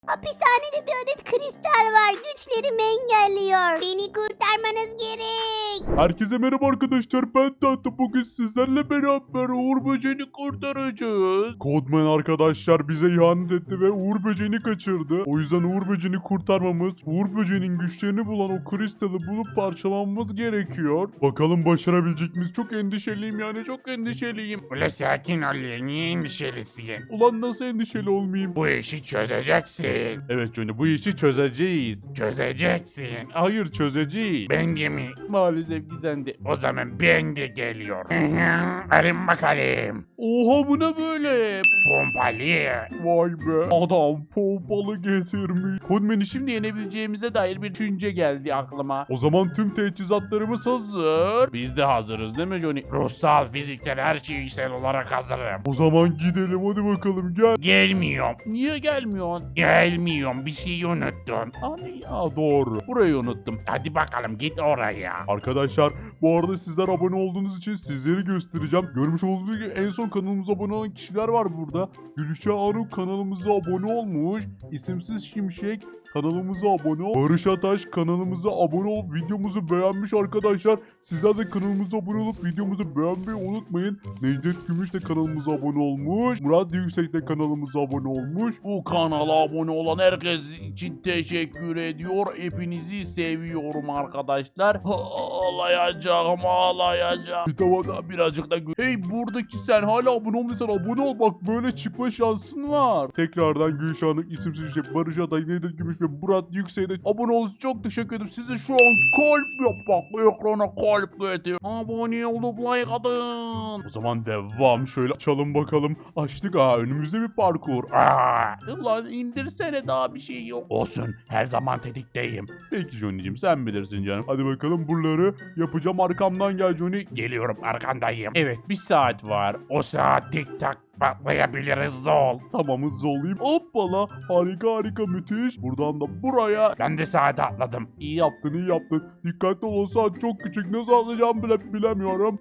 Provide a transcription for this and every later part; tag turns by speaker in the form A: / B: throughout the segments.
A: Hapishanede bir adet kristal var. Güçlerimi engelliyor. Beni kurtarmanız gerek.
B: Herkese merhaba arkadaşlar, ben Tatlı. Bugün sizlerle beraber Uğur Böceğini kurtaracağız. Codman arkadaşlar bize ihanet etti ve Uğur Böceğini kaçırdı. O yüzden Uğur Böceğini kurtarmamız, Uğur Böceğinin güçlerini bulan o kristali bulup parçalanmamız gerekiyor. Bakalım başarabilecek miyiz? Çok endişeliyim, yani çok endişeliyim.
C: Ula sakin ol ya, niye endişelisin?
B: Ulan nasıl endişeli olmayayım?
C: Bu işi çözeceksin.
B: Evet Johnny, bu işi çözeceğiz.
C: Çözeceksin.
B: Hayır, çözeceğiz.
C: Ben de mi?
B: Maalesef ki sen de.
C: O zaman ben de geliyorum. Arın bakalım.
B: Oha, bu ne böyle?
C: Pompalı.
B: Vay be, adam pompalı getirmiş. Codman'i şimdi yenebileceğimize dair bir düşünce geldi aklıma. O zaman tüm teçhizatlarımız hazır. Biz de hazırız değil mi Johnny?
C: Ruhsal, fiziksel, her şeysel olarak hazırım.
B: O zaman gidelim, hadi bakalım, gel.
C: Gelmiyorum.
B: Niye gelmiyorsun?
C: Gelmiyorum. Bir şeyi unuttun.
B: Hani ya, doğru. Burayı unuttum.
C: Hadi bakalım git oraya.
B: Arkadaşlar, bu arada sizler abone olduğunuz için sizleri göstereceğim. Görmüş olduğunuz gibi en son kanalımıza abone olan kişiler var burada. Gülşah Aruk kanalımıza abone olmuş. İsimsiz Şimşek kanalımıza abone ol. Barış Ataş kanalımıza abone olup videomuzu beğenmiş arkadaşlar. Sizler de kanalımıza abone olup videomuzu beğenmeyi unutmayın. Necdet Gümüş de kanalımıza abone olmuş. Murat Yüksek de kanalımıza abone olmuş.
D: Bu kanala abone olan herkes için teşekkür ediyor. Hepinizi seviyorum arkadaşlar. Ağlayacağım.
B: Bir tavada
D: Birazcık da hey, buradaki sen hala abone olmadıysan abone ol, bak böyle çıkma şansın var.
B: tekrardan Gülşah Aruk, İsimsiz Şimşek, Barış Ataş, Necdet Gümüş ve Murat Yüksek'e de
D: Abone olduğunuz için çok teşekkür ederim. Size şu an kalp yap, bak ekrana kalp getir. Abone olup like atın.
B: o zaman devam. Şöyle açalım bakalım. Açtık, önümüzde bir parkur.
D: Ulan indirsene, daha bir şey yok.
C: Olsun. Her zaman tetikteyim.
B: Peki Johnny'cim, sen bilirsin canım. Hadi bakalım, buraları yapacağım, arkamdan gel Johnny.
C: Geliyorum, arkandayım.
D: Evet, bir saat var.
C: O saat tik tak patlayabiliriz ol.
B: Tamam, hızlı olayım. Hoppala, harika müthiş. Buradan da buraya.
C: Ben de saate atladım.
B: İyi yaptın. Dikkatli ol, o saat çok küçük. Nasıl atlayacağımı bile bilemiyorum.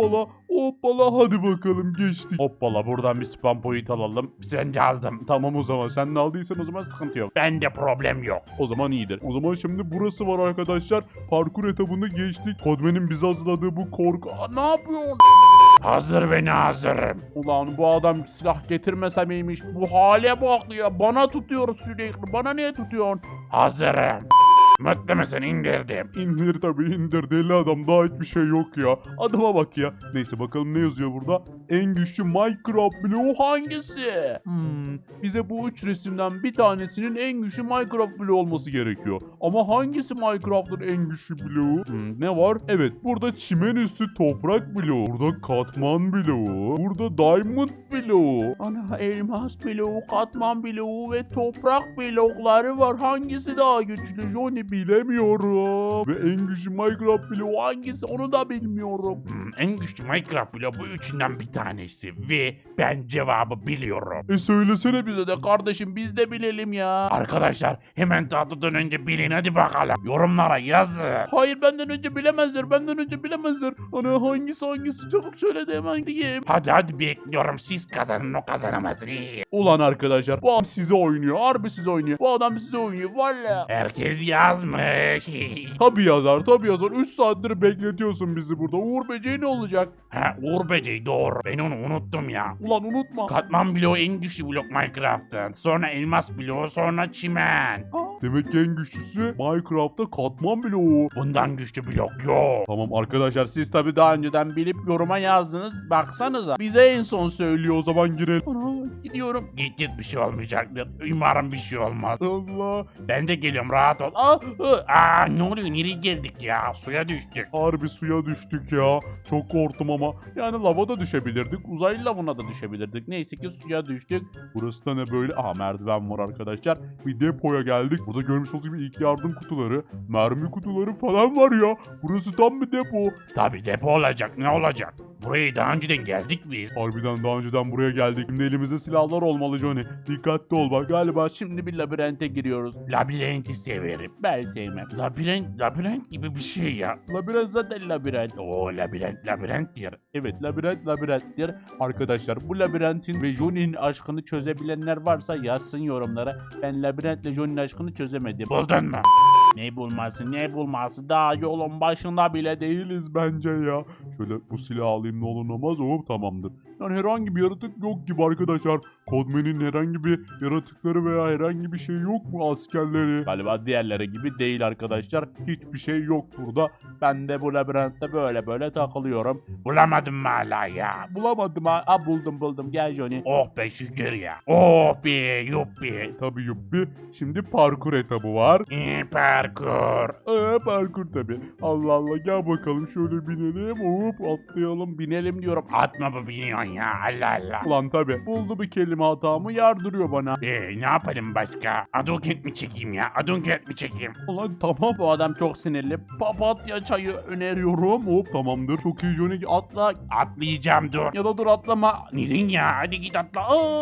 B: Hoppala, hadi bakalım, geçtik.
D: Hoppala, buradan bir spam point alalım.
C: Sen de aldım.
B: Tamam, o zaman sen ne aldıysan o zaman sıkıntı yok.
C: Bende problem yok.
B: O zaman iyidir. O zaman şimdi burası var arkadaşlar. Parkur etabını geçtik. Codman'in bize hazırladığı bu korku...
D: Ne yapıyorsun?
C: Hazır ve hazırım.
D: Ulan bu adam silah getirmese miymiş? Bu hale bak ya. Bana tutuyor sürekli. Bana niye tutuyorsun?
C: Hazırım. Mutlu musun? İndirdim.
B: İndir tabii, indir, deli adam, daha hiçbir şey yok ya. Adama bak ya. Neyse, bakalım ne yazıyor burada. En güçlü Minecraft bloğu hangisi? Bize bu 3 resimden bir tanesinin en güçlü Minecraft bloğu olması gerekiyor. Ama hangisi Minecraft'ın en güçlü bloğu? Ne var? Evet, burada çimen üstü toprak bloğu. Burada katman bloğu. Burada diamond bloğu.
D: Ana, elmas bloğu, katman bloğu ve toprak blokları var. Hangisi daha güçlü Johnny?
B: Bilemiyorum. Ve en güçlü Minecraft bloğu
D: Hangisi onu da bilmiyorum.
C: En güçlü Minecraft bloğu bu üçünden bir tanesi. Ve ben cevabı biliyorum.
B: Söylesene bize
D: Bize de kardeşim, biz de bilelim ya.
C: Arkadaşlar hemen tatlıdan önce bilin, hadi bakalım. Yorumlara yazın.
D: Hayır, benden önce bilemezler. Ana, hangisi çabuk söyle de hemen diyeyim.
C: Hadi bekliyorum, siz kazanın, o kazanamaz.
B: Ulan arkadaşlar,
D: Bu adam size oynuyor. Harbi size oynuyor. Bu adam size oynuyor. Valla.
C: Herkes yazmış.
B: tabii yazar. 3 saattir bekletiyorsun bizi burada. Uğur Böceği ne olacak?
C: Ha, Uğur Böceği, doğru. Ben onu unuttum ya.
D: Ulan unutma.
C: Katman bloğu en güçlü blok Minecraft'ın. Sonra elmas bloğu, sonra çimen.
B: Demek ki en güçlüsü Minecraft'ta katman bloğu.
C: Bundan güçlü blok yok.
B: Tamam arkadaşlar, siz tabii
D: Tabii daha önceden bilip yoruma yazdınız. Baksanıza. Bize en son
B: söylüyor, o zaman girelim.
D: Ana, gidiyorum.
C: Git bir şey olmayacaktır. Umarım bir şey olmaz.
B: Allah.
C: Ben de geliyorum, rahat ol. Ne oluyor? Nereye geldik ya? Suya düştük.
B: Harbi suya düştük ya. Çok korktum ama. Yani lava da düşebilirdik.
D: Uzaylı lavına da düşebilirdik. Neyse ki suya düştük.
B: Burası da ne böyle? Merdiven var arkadaşlar. Bir depoya geldik. Burada görmüş olduğunuz gibi ilk yardım kutuları, mermi kutuları falan var ya. Burası tam bir depo.
C: Tabii depo olacak, ne olacak? buraya daha önceden geldik biz.
B: Harbiden daha önceden buraya geldik. Şimdi elimizde silahlar olmalı Johnny. Dikkatli ol bak. Galiba
D: Şimdi bir labirente giriyoruz.
C: Labirenti severim.
D: Ben sevmem.
C: Labirent gibi bir şey ya.
D: Labirent zaten labirent.
C: Oo labirenttir.
D: Evet, labirenttir. Arkadaşlar bu labirentin ve Johnny'nin aşkını çözebilenler varsa yazsın yorumlara. Ben labirentle Johnny'nin aşkını çözemedim.
C: Buldun mu?
D: Ne bulması daha yolun başında bile değil.
B: değiliz bence ya. Şöyle bu silahı alayım ne olur ne olmaz. Hop tamamdır. Yani herhangi bir yaratık yok gibi arkadaşlar. Codman'in herhangi bir yaratıkları veya herhangi bir şey yok mu askerleri?
D: Galiba diğerleri gibi değil arkadaşlar. Hiçbir şey yok burada. Ben de bu labirentte böyle takılıyorum.
C: Bulamadım mı hala ya?
D: Bulamadım ha. Aa, buldum. Gel Johnny.
C: Oh be şükür ya. Oh be yuppi.
B: Tabii yuppi. Şimdi parkur etabı var.
C: Parkur.
B: Parkur tabii. Allah Allah gel bakalım şöyle binelim. Hop atlayalım.
D: Binelim diyorum.
C: Atma bu biniyorsun ya Allah Allah.
B: Ulan tabii. Buldu bir kelime hatamı yardırıyor bana.
C: Ne yapalım başka? Aduket mi çekeyim ya? Aduket mi çekeyim?
B: Ulan tamam.
D: Bu adam çok sinirli. Papatya çayı öneriyorum.
B: Hop tamamdır. Çok iyi Johnny.
D: Atla.
C: Atlayacağım dur.
D: Ya da dur atlama.
C: Neden ya? Hadi git atla.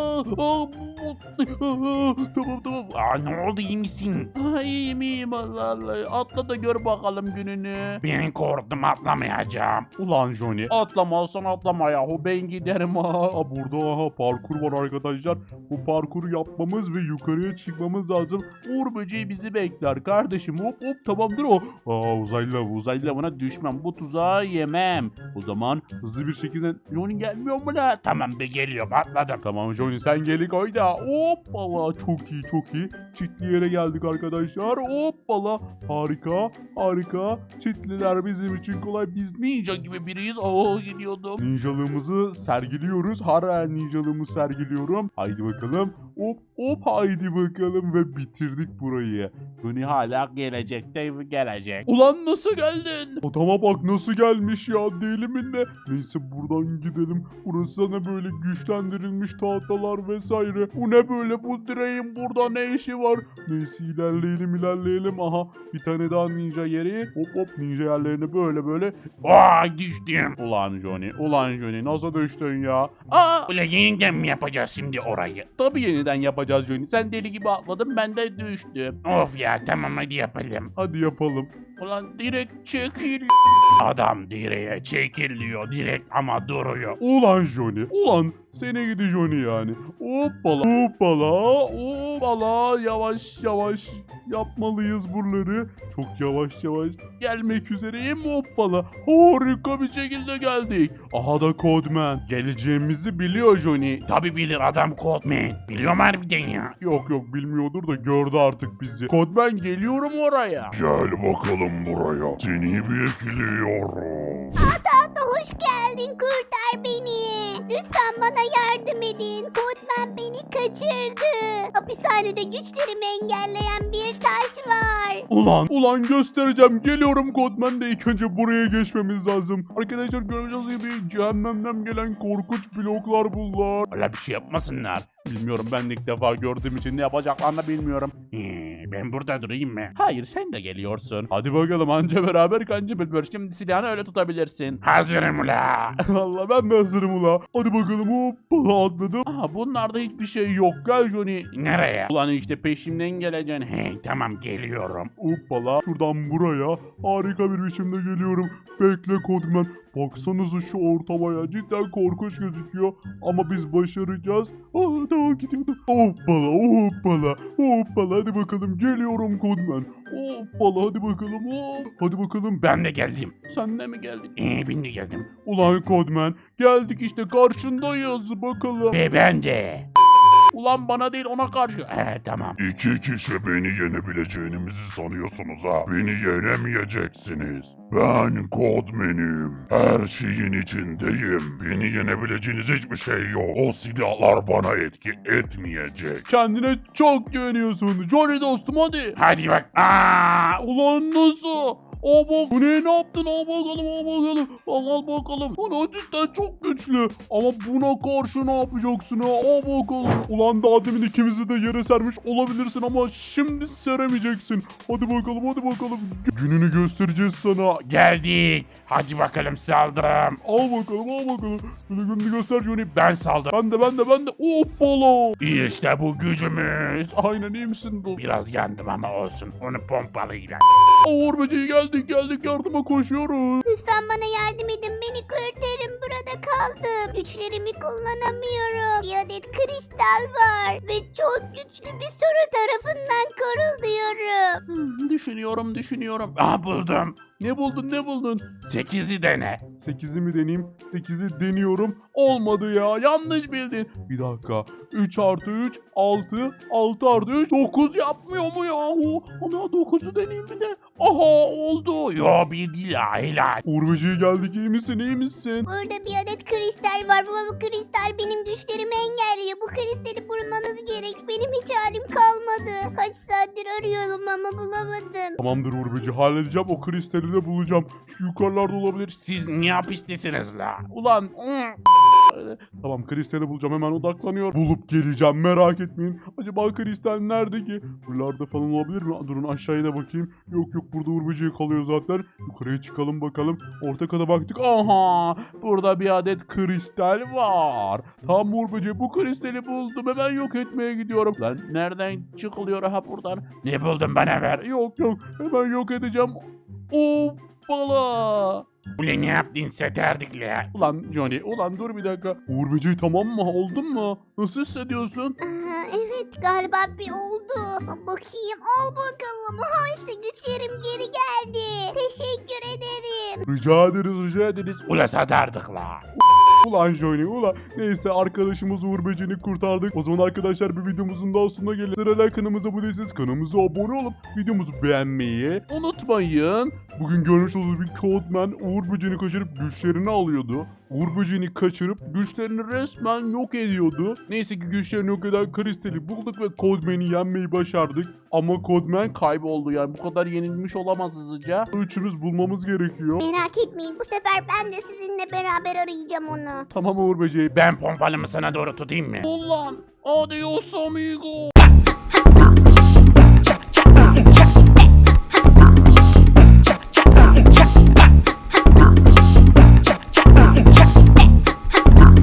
D: Tamam.
C: Aa ne oldu iyi misin?
D: Ay iyiyim Allah. Atla da gör bakalım gününü.
C: Ben korktum atlamayacağım.
B: Ulan Johnny.
D: Atlamazsan atlama yahu ben giderim ha.
B: Burada parkur var arkadaşlar. Bu parkuru yapmamız ve yukarıya çıkmamız lazım.
D: Uğur böceği bizi bekler kardeşim. Hop tamamdır o. Uzaylı buna düşmem. Bu tuzağı yemem. O zaman
B: Hızlı bir şekilde.
D: Johnny gelmiyor mu lan?
C: Tamam be geliyorum atladım.
B: Tamam Johnny sen geli koy da. Hoppala çok iyi. Çitli yere geldik arkadaşlar. Hoppala. Harika. Çitliler bizim için kolay. Biz
D: Ninja gibi biriyiz. Gidiyordum.
B: ninjalığımızı sergiliyoruz. Hara ninjalığımı sergiliyorum. Haydi bakalım. Hop haydi bakalım ve bitirdik burayı.
D: Johnny hala gelecekte gelecek. Ulan nasıl geldin?
B: Adama bak nasıl gelmiş ya deli mi ne? Neyse buradan gidelim. Burası ne böyle güçlendirilmiş tahtalar vesaire. Bu ne böyle bu direğin burada ne işi var? Neyse ilerleyelim. Aha bir tane daha ninja yeri. Hop ninja yerlerine böyle.
C: Vay düştüm.
B: Ulan Johnny nasıl düştün ya?
C: Ulan yeniden mi yapacağız şimdi orayı?
D: Tabii yeniden yapacağız Johnny. Sen deli gibi atladın ben de düştüm.
C: Of ya tamam hadi yapalım.
B: Hadi yapalım.
D: Ulan direkt çekil.
C: Adam direğe çekiliyor direkt ama duruyor.
B: Ulan Johnny. Ulan seni gidi Johnny yani. Hoppala. Yavaş yapmalıyız buraları. Çok yavaş gelmek üzereyim. Hoppala. Harika bir şekilde geldik. Aha da Codman. Geleceğimizi biliyor Johnny.
C: Tabi bilir adam Codman. Biliyorum harbiden ya.
B: Yok bilmiyordur da gördü artık bizi. Codman geliyorum oraya.
C: Gel bakalım buraya. Seni bekliyorum.
A: Hatta hoş geldin, kurtar beni. Lütfen bana yardım edin. Codman beni kaçırdı. Hapishanede güçlerimi engelleyen bir taş var.
B: Ulan göstereceğim. Geliyorum Codman de ilk önce buraya geçmemiz lazım. Arkadaşlar göreceğiz gibi cehennemden gelen korkunç bloklar bunlar.
C: Öyle bir şey yapmasınlar.
D: Bilmiyorum ben de ilk defa gördüğüm için ne yapacaklarını bilmiyorum.
C: Ben burada durayım mı?
D: Hayır sen de geliyorsun.
B: Hadi bakalım anca beraber kanca
D: Bülbül şimdi silahını öyle tutabilirsin.
C: Hazırım ula.
B: Allah ben de hazırım ula. Hadi bakalım hoppala atladım.
D: Aha bunlarda hiçbir şey yok gel Johnny.
C: Nereye?
D: Ulan işte peşimden geleceksin.
C: Hey tamam geliyorum.
B: Hoppala şuradan buraya harika bir biçimde geliyorum. Bekle Codman. Baksanıza şu ortamaya cidden korkunç gözüküyor. Ama biz başaracağız. Daha gidiyordum. Hoppala. Hadi bakalım geliyorum Codman. Hoppala hadi bakalım. Hadi bakalım.
C: Ben de geldim.
D: Sen de mi geldin?
C: Ben de geldim.
B: Ulan Codman geldik işte karşındayız bakalım.
C: Ve ben de.
D: Ulan bana değil ona karşı.
C: Tamam.
E: İki kişi beni yenebileceğinizi sanıyorsunuz ha. Beni yenemeyeceksiniz. Ben Codman'im. Her şeyin içindeyim. Beni yenebileceğiniz hiçbir şey yok. O silahlar bana etki etmeyecek.
B: Kendine çok güveniyorsun. Johnny dostum hadi.
C: Hadi bak.
D: Ulan nasıl? Al bak. Bu ne yaptın? Al bakalım, al bakalım. Al bakalım. Ulan cidden çok güçlü. Ama buna karşı ne yapacaksın ha? Al bakalım.
B: Ulan daha demin ikimizi de yere sermiş olabilirsin ama şimdi seremeyeceksin. Hadi bakalım hadi bakalım. Gününü göstereceğiz sana.
C: Geldik. Hadi bakalım saldım.
B: Al bakalım al bakalım. Gününü göster Johnny.
C: Ben saldım.
B: Ben de. Hoppala.
C: İşte bu gücümüz.
B: Aynen iyi misin?
C: Biraz yandım ama olsun. Onu pompalıyla.
B: Uğur böceği geldik yardıma koşuyoruz.
A: Lütfen bana yardım edin. Beni kurtarın. Burada kaldım. Güçlerimi kullanamıyorum. Bir adet kristal var. Ve çok güçlü bir soru tarafından koruluyorum.
D: Düşünüyorum.
C: Ah buldum.
B: Ne buldun?
C: 8'i dene.
B: 8'i mi deneyeyim? 8'i deniyorum. Olmadı ya. Yanlış bildin. Bir dakika. 3 artı 3 6. 6 artı 3 9 yapmıyor mu yahu? Ana 9'u deneyeyim bir de. Aha oldu.
C: Yo bir değil ya helal.
B: Uğur böceği geldik. İyi misin?
A: Burada bir adet kristal var ama bu kristal benim güçlerimi engelliyor. Bu kristali bulmanız gerek. Benim hiç halim kalmadı. Kaç saattir arıyorum ama bulamadım.
B: Tamamdır Uğur böceği. Halledeceğim. O kristali de bulacağım. Şu yukarılarda olabilir.
C: Siz ne yapıştısınız la?
B: Ulan. Tamam kristali bulacağım. Hemen odaklanıyor. Bulup geleceğim. Merak etmeyin. Acaba kristal nerede ki? Buralarda falan olabilir mi? Durun aşağıya da bakayım. Yok burada Uğur böceği kalıyor zaten. Yukarıya çıkalım bakalım. Orta kata baktık. Aha! Burada bir adet kristal var. Tam Uğur böceği bu kristali buldum. Hemen yok etmeye gidiyorum.
D: Lan nereden çıkılıyor ha buradan?
C: Ne buldun bana ver.
B: Yok. Hemen yok edeceğim. Hoppala.
C: Ulan ne yaptın seterdikle?
B: Ulan Johnny. Ulan dur bir dakika. Uğur böceği tamam mı? Oldun mu? Nasıl hissediyorsun?
A: Evet galiba bir oldu. Bakayım al bakalım. Ha işte güçlerim geri geldi. Teşekkür ederim.
B: Rica ederiz.
C: Ula satardık la.
B: Ulan Johnny ulan. Neyse arkadaşımız Uğur böceğini kurtardık. O zaman arkadaşlar bir videomuzun daha sonuna gelin. Sırayla kanalımıza abone değilseniz kanalımıza abone olup videomuzu beğenmeyi unutmayın. Bugün görmüş olduğunuz bir Codeman Uğur böceğini kaçırıp güçlerini alıyordu. Uğur böceğini kaçırıp güçlerini resmen yok ediyordu. Neyse ki güçlerini yok eden kristali bulduk ve Codeman'i yenmeyi başardık. Ama Codeman
D: Kayboldu yani bu kadar yenilmiş olamaz hızlıca.
B: üçümüz bulmamız gerekiyor.
A: Merak etmeyin bu sefer ben de sizinle beraber arayacağım onu.
B: Tamam Uğur böceği.
C: Ben pompalımı sana doğru tutayım mı?
D: Ulan adios amigo.